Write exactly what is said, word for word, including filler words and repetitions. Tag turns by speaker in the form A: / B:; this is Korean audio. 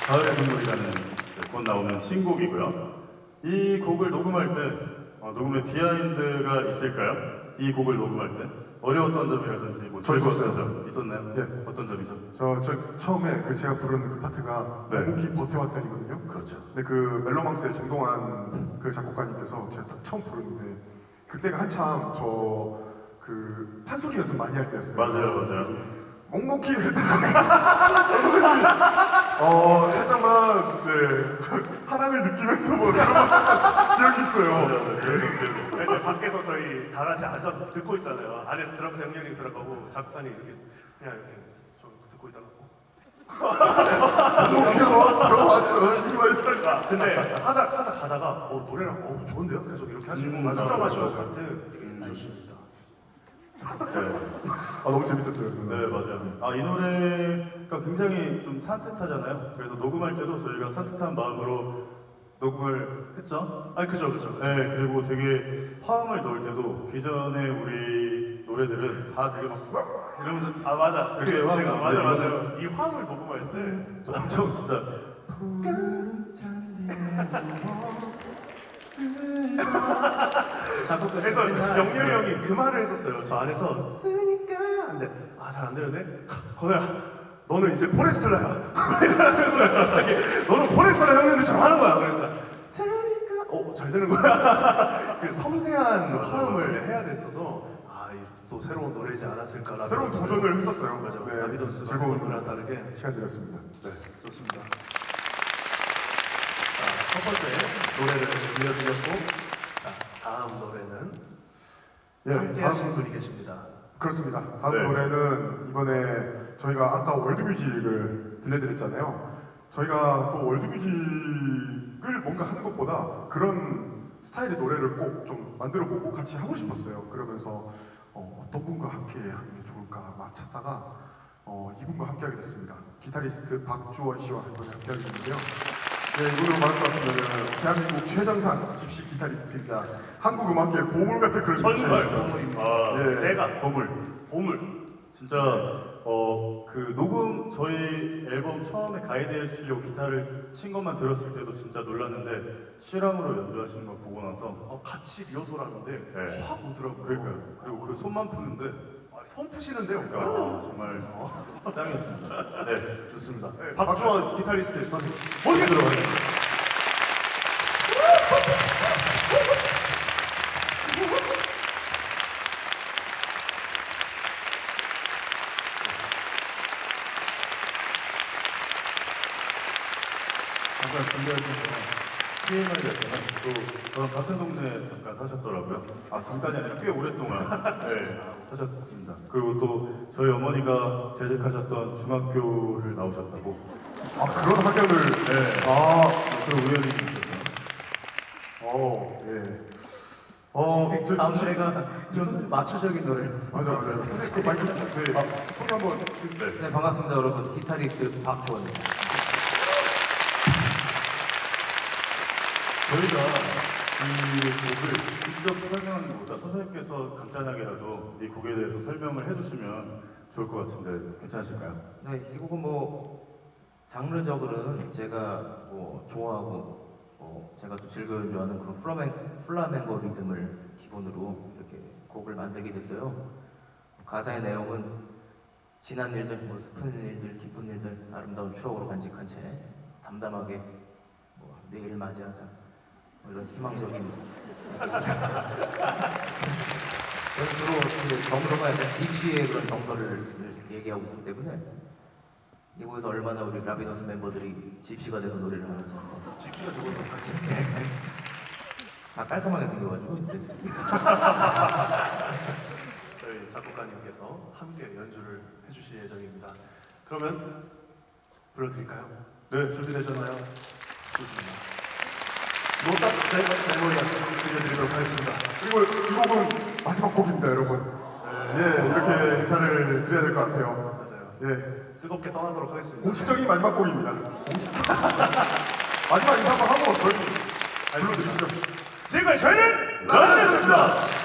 A: 가을의 선물이라는 이제 곧 나오는 신곡이고요. 이 곡을 녹음할 때 어, 녹음에 비하인드가 있을까요? 이 곡을 녹음할 때 어려웠던 점이라든지 뭐
B: 저
A: 즐거웠던
B: 있었어요.
A: 점 있었나요?
B: 예.
A: 어떤 점이죠?
B: 저, 저 처음에 그 제가 부르는 그 파트가
A: 네.
B: 묵묵히 버텨왔다이거든요.
A: 그렇죠.
B: 근데 그 멜로망스의 정동환 그 작곡가님께서 제가 딱 처음 부르는데 그때가 한참 저 그 판소리 연습 많이 할 때였어요.
A: 맞아요, 맞아요.
B: 묵묵히 어 살짝만 네 사랑을 느끼면서 뭐 그런 기억이 있어요.
A: 맞아요, 그래서 기억이 있어요.
C: 네, 밖에서 저희 다 같이 앉아서 듣고 있잖아요. 안에서 드럼 형님이 들어가고 작가님 이렇게 그냥 이렇게 저 듣고 있다가 어?
B: 묵묵히 들어왔던 이 말들.
C: 아, 근데 하다 하다 가다가 어 노래랑 어 좋은데요? 계속 이렇게 하시고
A: 음,
C: 음, 수정하신
A: 맞아요.
C: 것 같은 되게
A: 음.
C: 좋습니다.
A: 네.
B: 아 너무 재밌었어요.
A: 네, 맞아요. 아, 이 노래가 굉장히 좀 산뜻하잖아요. 그래서 녹음할 때도 저희가 산뜻한 마음으로 녹음을 했죠.
C: 아 그죠 그죠. 그죠.
A: 네, 그리고 되게 화음을 넣을 때도 기존의 우리 노래들은 다 되게 막 이러면서
C: 아 맞아. 그
A: 이렇게
C: 제가
A: 화음을
C: 맞아
A: 내고
C: 맞아요. 이 화음을 녹음할 때
A: 엄청 진짜
D: 작곡가
C: 그래서 영렬이 형이 그 말을 했었어요. 저 안에서 쓰니까 근데 아 잘 안 되는데 건우야 너는 이제 포레스텔라야. 갑자기 너는 포레스텔라 형님들처럼 하는 거야. 그러니까 쓰니까 어잘 되는 거야. 그 섬세한 화음을 해야 됐어서 아또 새로운 노래이지 않았을까라는
B: 새로운 도전을 했었어요.
C: 맞아.
B: 네,
C: 나비도스가
B: 즐거운
C: 했던 노래랑 다르게
B: 시간 드렸습니다.
C: 네 좋습니다. 자, 첫 번째 노래를 들려드렸고 자 다음 노래는
B: 예,
C: 함께
B: 다음
C: 하신 분이 계십니다.
B: 그렇습니다. 다음
A: 네.
B: 노래는 이번에 저희가 아까 월드뮤직을 들려드렸잖아요. 저희가 또 월드뮤직을 뭔가 하는 것보다 그런 스타일의 노래를 꼭 좀 만들어보고 같이 하고 싶었어요. 그러면서 어, 어떤 분과 함께 하는 게 좋을까 막 찾다가 어, 이분과 함께 하게 됐습니다. 기타리스트 박주원 씨와 이번에 함께 하게 됐는데요. 네, 이분으로 말할 것 같으면 대한민국 최장산 집시 기타리스트이자 한국 음악계의 보물 같은 그런
C: 전설.
B: 분이십니다.
A: 아,
B: 예.
C: 대가
A: 보물.
C: 보물.
A: 진짜 어 그 녹음 저희 앨범 처음에 가이드해 주시려고 기타를 친 것만 들었을 때도 진짜 놀랐는데 실황으로 연주하시는 걸 보고 나서
C: 어, 같이 리허설 하는데
A: 네.
C: 확 오더라고요.
A: 그러니까요. 그리고 그 손만 푸는데
C: 아, 손 푸시는데요.
A: 아, 정말 짱이었습니다. 네.
C: 좋습니다.
B: 네,
C: 박주원 기타리스트 선생님.
A: 모시겠습니다. 잠깐 준비하신 동안 피엠을 했다가 또 저랑 같은 동네에 잠깐 사셨더라고요. 아 잠깐이 아니라 꽤 오랫동안 네, 사셨습니다. 그리고 또 저희 어머니가 재직하셨던 중학교를 나오셨다고.
B: 아 그런 학연을
A: 네.
B: 아
A: 그런 우연이 있었어요.
B: 어, 예. 어, 저,
D: 다음
B: 저,
D: 노래가 좀 마초적인 노래라서.
B: 맞아, 맞아. 선생님 그 마이크 주시고, 네. 아, 소개 한번 해주세요.
A: 네.
D: 네, 반갑습니다, 여러분. 기타리스트 박주원입니다.
A: 저희가 이 곡을 직접 설명하는 것보다 선생님께서 간단하게라도 이 곡에 대해서 설명을 해주시면 좋을 것 같은데 괜찮으실까요?
D: 네, 이 곡은 뭐 장르적으로는 제가 뭐 좋아하고 뭐 제가 또 즐겨 연주하는 그런 플라멘, 플라멩고 리듬을 기본으로 이렇게 곡을 만들게 됐어요. 가사의 내용은 지난 일들, 뭐 슬픈 일들, 기쁜 일들, 아름다운 추억으로 간직한 채 담담하게 뭐 내일 맞이하자 뭐 이런 희망적인 저는 주로 그 정서가 약간 집시의 그런 정서를 얘기하고 있기 때문에 이곳에서 얼마나 우리 라비너스 멤버들이 집시가 돼서 노래를 하는지
C: 집시가 누구든 같이.
D: 다 깔끔하게 생겨가지고 근데
C: 저희 작곡가님께서 함께 연주를 해주실 예정입니다. 그러면 불러드릴까요? 네, 준비되셨나요? 좋습니다. 노타스 데 메모리아스 들려드리도록 하겠습니다.
B: 그리고 이 곡은 마지막 곡입니다, 여러분. 예, 이렇게 인사를 드려야 될 것 같아요.
C: 맞아요.
B: 예.
C: 뜨겁게 떠나도록 하겠습니다.
B: 공식적인 마지막 곡입니다. 공식. 마지막 인사 한번 하고 저희 불러드리시죠.
C: 지금까지 저희는 라디오였습니다.